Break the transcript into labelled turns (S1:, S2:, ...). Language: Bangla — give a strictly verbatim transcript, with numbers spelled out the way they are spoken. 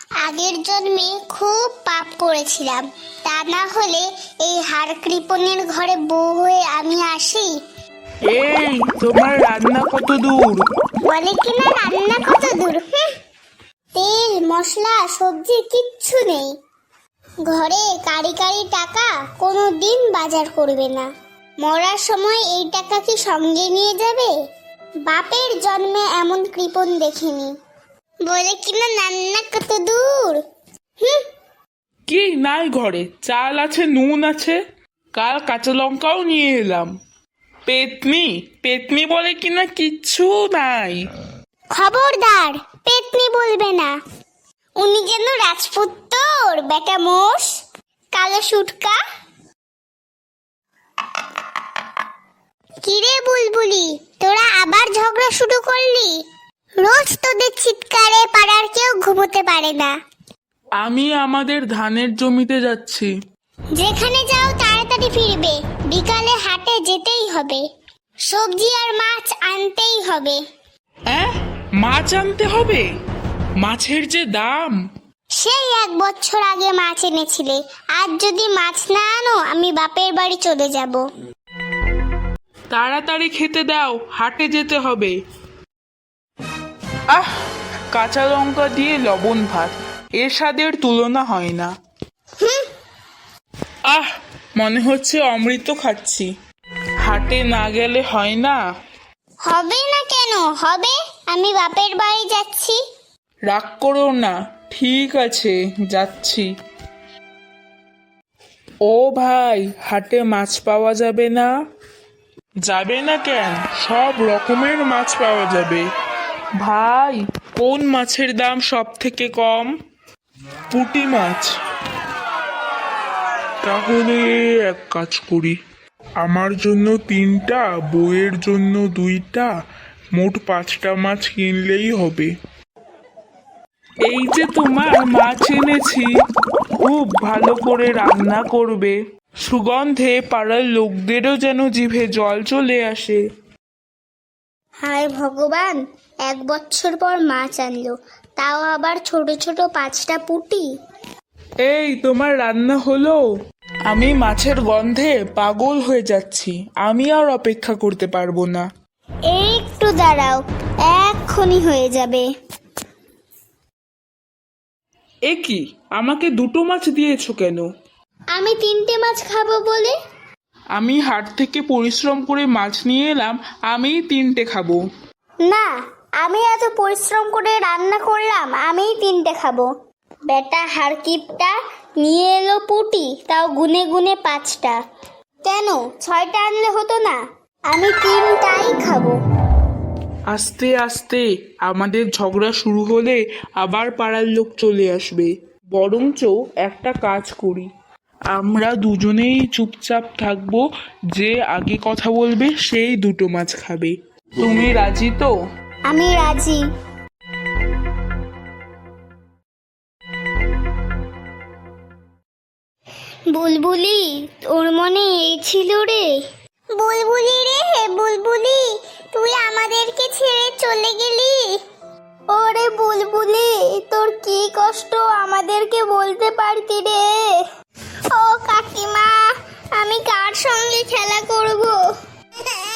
S1: আগের জন্মে খুব পাপ করেছিলাম, তা না হলে এই হাড় কৃপণের ঘরে বউ হয়ে আমি আসি।
S2: এই তোমার রান্না কত দূর?
S1: বলে কিনা রান্না কত দূর? হুঁ। তেল মশলা সবজি কিচ্ছু নেই ঘরে। কারি কারি টাকা কোনো দিন বাজার করবে না। মরার সময় এই টাকা কি সঙ্গে নিয়ে যাবে? বাপের জন্মে এমন কৃপণ দেখিনি। বলে কিনা রান্না কত দূর? হুম।
S2: কি নাই ঘরে? চাল আছে, নুন আছে, কাল কাঁচা লঙ্কাও নিয়ে এলাম। পেতনি পেতনি বলে কিনা কিচ্ছু নাই।
S1: খবরদার, পেতনি বলবে না। উনি যেন রাজপুত্তর বেটা মোষ, কালো সুটকা। কিরে বুলবুলি, তোরা আবার ঝগড়া শুরু করলি? রোজ তোদের চিৎকারে পাড়ার কেউ ঘুমোতে পারে না।
S2: আমি আমাদের ধানের জমিতে যাচ্ছি।
S1: যেখানে যাও তাড়াতাড়ি ফিরবে, বিকালে হাটে যেতেই হবে, সবজি আর মাছ আনতেই হবে।
S2: অ্যাঁ, মাছ আনতে হবে? মাছের যে দাম!
S1: সেই এক বছর আগে মাছ এনেছিলে, আজ যদি মাছ না আনো আমি বাপের বাড়ি চলে যাব।
S2: তাড়াতাড়ি খেতে দাও, হাটে যেতে হবে। আহ, কাঁচা লঙ্কা দিয়ে লবণ ভাত, এর স্বাদের তুলনা হয় না। আহ, মনে হচ্ছে অমৃত খাচ্ছি। হাটে না গেলে হয় না?
S1: হবে না কেন? হবে, আমি বাপের বাড়ি যাচ্ছি।
S2: রাগ করো না, ঠিক আছে, যাচ্ছি। ও ভাই, হাটে মাছ পাওয়া যাবে না? যাবে না কেন? সব রকমের মাছ পাওয়া যাবে। ভাই, কোন মাছের দাম সব থেকে কম? পুঁটি মাছ। তাহলে এক কাজ করি, আমার জন্য তিনটা, বউয়ের জন্য দুইটা, মোট পাঁচটা মাছ কিনলেই হবে। এই যে তোমার মাছ এনেছি, খুব ভালো করে রান্না করবে, সুগন্ধে পাড়ার লোকদেরও যেন জিভে জল চলে আসে।
S1: হায় ভগবান, এক বছর পর মাছ আনলো, তাও আবার ছোট ছোট পাঁচটা পুঁটি।
S2: এই তোমার রান্না হলো? আমি মাছের গন্ধে পাগল হয়ে যাচ্ছি, আমি আর অপেক্ষা করতে পারবো না।
S1: একটু দাঁড়াও, এক্ষুনি হয়ে যাবে।
S2: এ কি, আমাকে দুটো মাছ দিয়েছো কেন?
S1: আমি তিনটে মাছ খাবো বলে।
S2: আমি হাট থেকে পরিশ্রম করে মাছ নিয়ে এলাম, আমিই তিনটে খাবো।
S1: না, আমি এত পরিশ্রম করে রান্না করলাম, আমিই তিনটে খাবো। বেটা হারকিপটা নিয়ে এলো পুঁটি, তাও গুনে গুনে পাঁচটা। কেন ছয়টা আনলে হতো না? আমি তিনটাই খাবো।
S2: আস্তে আস্তে আমাদের ঝগড়া শুরু হলে আবার পাড়ার লোক চলে আসবে। বরঞ্চ একটা কাজ করি, আমরা দুজনেই চুপচাপ থাকবো, যে আগে কথা বলবে সেই দুটো মাছ খাবে। তুমি রাজি তো?
S1: আমি রাজি। বুলবুলি, তোর মনে এই ছিল রে? বুলবুলি রে, হে বুলবুলি, তুই আমাদেরকে ছেড়ে চলে গেলি। ওরে বুলবুলি, তোর কি কষ্ট আমাদেরকে বলতে পারতি রে। ও কাকিমা, আমি কার সঙ্গে খেলা করব?